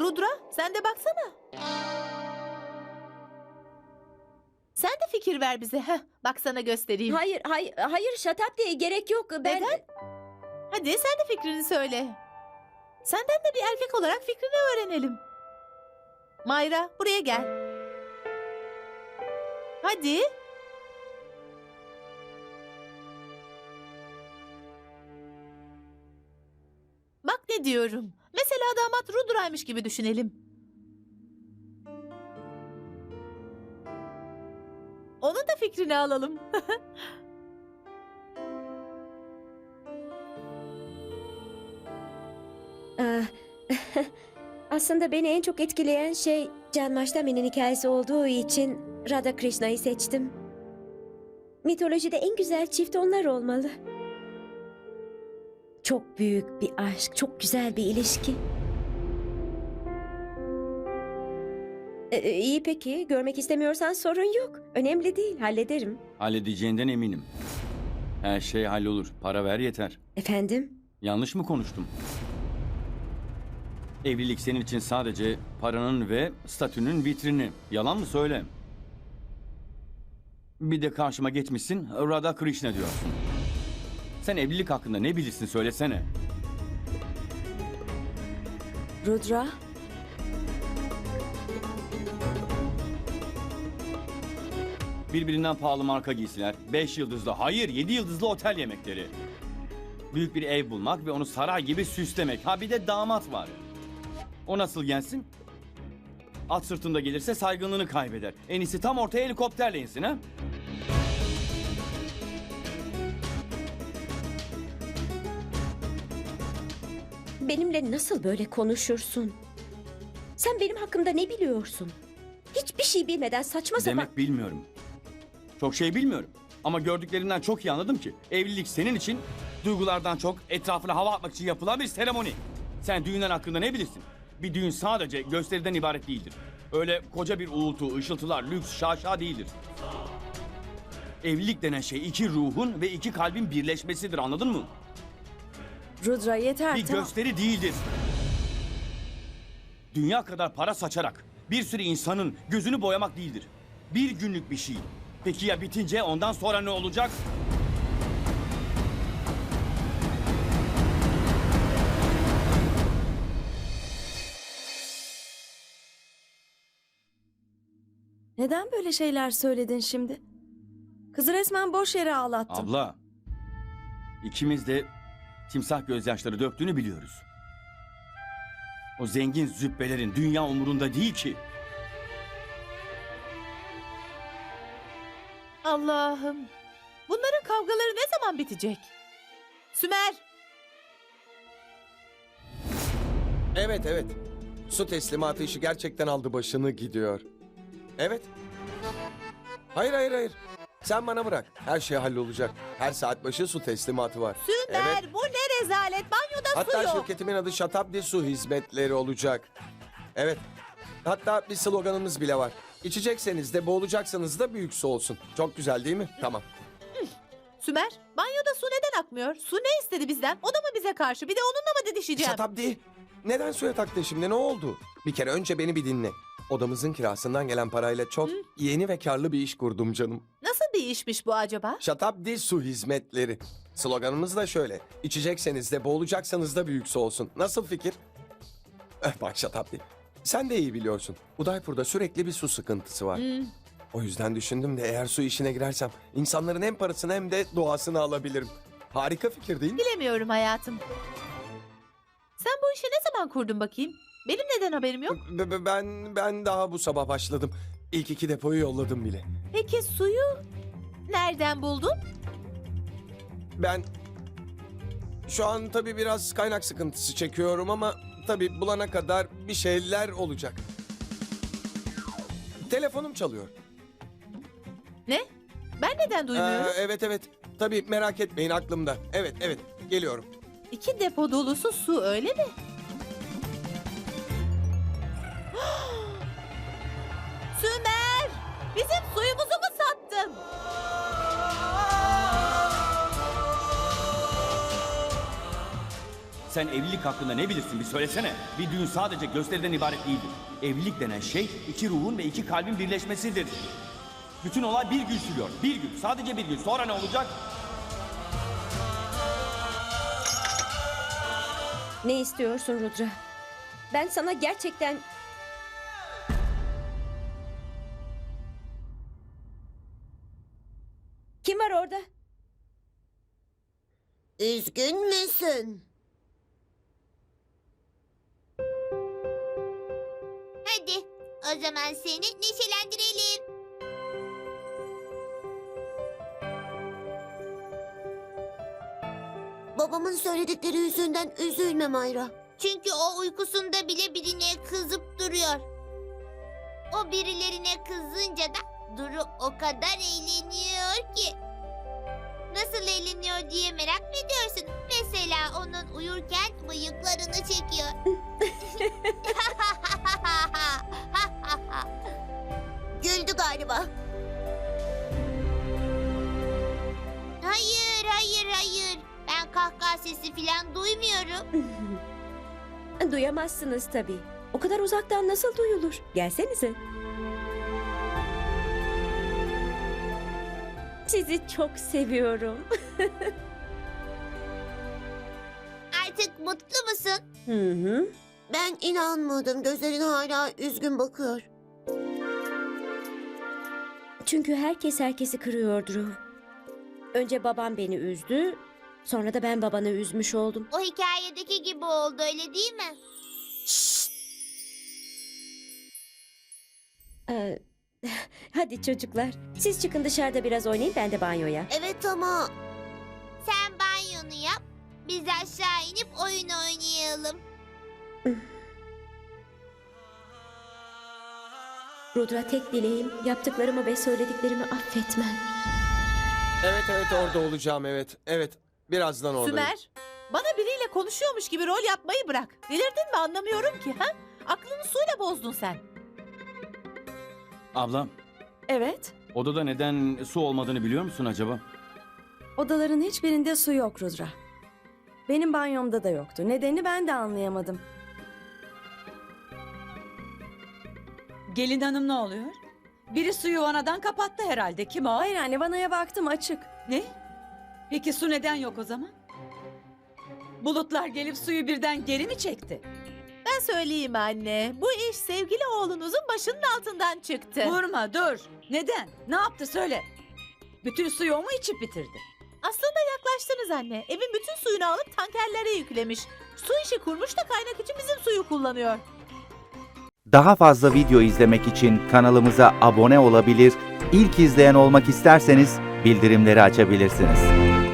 Rudra, sen de baksana. Sen de fikir ver bize. Heh, bak sana göstereyim. Hayır Şatabdi, gerek yok. Ben... Neden? Hadi sen de fikrini söyle. Senden de bir erkek olarak fikrini öğrenelim. Mayra, buraya gel. Hadi. Bak ne diyorum. Mesela damat Rudra'ymış gibi düşünelim. Onun da fikrini alalım. Ah, Aslında beni en çok etkileyen şey Canmaştami'nin hikayesi olduğu için Radha Krishna'yı seçtim. Mitolojide en güzel çift onlar olmalı. Çok büyük bir aşk, çok güzel bir ilişki. İyi peki, görmek istemiyorsan sorun yok. Önemli değil, hallederim. Halledeceğinden eminim. Her şey hallolur. Para ver yeter. Efendim? Yanlış mı konuştum? Evlilik senin için sadece paranın ve statünün vitrini. Yalan mı söyle? Bir de karşıma geçmişsin, Radha Krishna diyorsun. Sen evlilik hakkında ne bilirsin söylesene. Rudra? Birbirinden pahalı marka giysiler, 5 yıldızlı, hayır 7 yıldızlı otel yemekleri. Büyük bir ev bulmak ve onu saray gibi süslemek. Ha bir de damat var. O nasıl gelsin? At sırtında gelirse saygınlığını kaybeder. En iyisi tam ortaya helikopterle insin ha? Benimle nasıl böyle konuşursun? Sen benim hakkımda ne biliyorsun? Hiçbir şey bilmeden saçma sapan... Demek bilmiyorum. Çok şey bilmiyorum. Ama gördüklerimden çok iyi anladım ki evlilik senin için duygulardan çok etrafına hava atmak için yapılan bir seremoni. Sen düğünler hakkında ne bilirsin? Bir düğün sadece gösteriden ibaret değildir. Öyle koca bir uğultu, ışıltılar, lüks, şaşa değildir. Evlilik denen şey iki ruhun ve iki kalbin birleşmesidir, anladın mı? Rudra yeter, Bir tamam. gösteri değildir. Dünya kadar para saçarak bir sürü insanın gözünü boyamak değildir. Bir günlük bir şey. Peki ya bitince ondan sonra ne olacak? Neden böyle şeyler söyledin şimdi? Kızı resmen boş yere ağlattın. Abla, ikimiz de timsah gözyaşları döktüğünü biliyoruz. O zengin züppelerin dünya umurunda değil ki. Allah'ım. Bunların kavgaları ne zaman bitecek? Sümer. Evet. Su teslimatı işi gerçekten aldı başını gidiyor. Evet. Hayır. Sen bana bırak. Her şey hallolacak. Her saat başı su teslimatı var. Sümer, Evet. bu ne rezalet. Banyoda su Hatta yok. şirketimin adı Şatabdi Su Hizmetleri olacak. Evet. Hatta bir sloganımız bile var. İçecekseniz de boğulacaksanız da büyük su olsun. Çok güzel değil mi? Tamam. Sümer, banyoda su neden akmıyor? Su ne istedi bizden? O da mı bize karşı? Bir de onunla mı didişeceğim? Şatabdi. Neden suya taktın şimdi? Ne oldu? Bir kere önce beni bir dinle. Odamızın kirasından gelen parayla çok yeni ve karlı bir iş kurdum canım. Nasıl bir işmiş bu acaba? Şatabdi Su Hizmetleri. Sloganımız da şöyle. İçecekseniz de boğulacaksanız da büyük su olsun. Nasıl fikir? Bak Şatabdi. Sen de iyi biliyorsun. Udaypur'da sürekli bir su sıkıntısı var. O yüzden düşündüm de eğer su işine girersem insanların hem parasını hem de doğasını alabilirim. Harika fikir değil mi? Bilemiyorum hayatım. Sen bu işi ne zaman kurdun bakayım? Benim neden haberim yok? Ben daha bu sabah başladım. İlk 2 depoyu yolladım bile. Peki suyu nereden buldun? Ben şu an tabii biraz kaynak sıkıntısı çekiyorum ama tabii bulana kadar bir şeyler olacak. Telefonum çalıyor. Ne? Ben neden duymuyorum? Evet. Tabii merak etmeyin aklımda. Evet geliyorum. 2 depo dolusu su öyle mi? Sümer! Bizim suyumuzu mu sattın? Sen evlilik hakkında ne bilirsin bir söylesene. Bir düğün sadece gösteriden ibaret değildir. Evlilik denen şey iki ruhun ve iki kalbin birleşmesidir. Bütün olay bir gün sürüyor. Bir gün. Sadece bir gün. Sonra ne olacak? Ne istiyorsun Rudra? Ben sana gerçekten... Kim var orada? Üzgün müsün? Hadi o zaman seni neşelendirelim. Babamın söyledikleri yüzünden üzülme Mayra. Çünkü o uykusunda bile birine kızıp duruyor. O birilerine kızınca da Duru o kadar eğleniyor ki. Nasıl eğleniyor diye merak mı ediyorsun? Mesela onun uyurken bıyıklarını çekiyor. Güldü galiba. Hayır, hayır, hayır. Ben kahkaha sesi falan duymuyorum. Duyamazsınız tabii. O kadar uzaktan nasıl duyulur? Gelsenize. Sizi çok seviyorum. Artık mutlu musun? Hı hı. Ben inanmadım. Gözlerin hala üzgün bakıyor. Çünkü herkes herkesi kırıyor Drew. Önce babam beni üzdü, sonra da ben babanı üzmüş oldum. O hikayedeki gibi oldu, öyle değil mi? Ee, hadi çocuklar, siz çıkın dışarıda biraz oynayın, ben de banyoya. Evet ama... Sen banyonu yap. Biz aşağı inip oyun oynayalım. Rudra, tek dileğim yaptıklarımı ve söylediklerimi affetmen. Evet orada olacağım evet. Evet birazdan oradayım. Sümer, bana biriyle konuşuyormuş gibi rol yapmayı bırak. Delirdin mi anlamıyorum ki ha? Aklını suyla bozdun sen. Ablam, Evet, odada neden su olmadığını biliyor musun acaba? odaların hiçbirinde su yok Rudra. Benim banyomda da yoktu. Nedenini ben de anlayamadım. Gelin hanım ne oluyor? Biri suyu vanadan kapattı herhalde. Kim o? Hayır anne, vanaya baktım, açık. Ne? Peki su neden yok o zaman? Bulutlar gelip suyu birden geri mi çekti? Ben söyleyeyim anne. Bu iş sevgili oğlunuzun başının altından çıktı. Vurma dur. Neden? Ne yaptı söyle. Bütün suyu o mu içip bitirdi? Aslında yaklaştınız anne. Evin bütün suyunu alıp tankerlere yüklemiş. Su işi kurmuş da kaynak için bizim suyu kullanıyor. Daha fazla video izlemek için kanalımıza abone olabilir, ilk izleyen olmak isterseniz bildirimleri açabilirsiniz.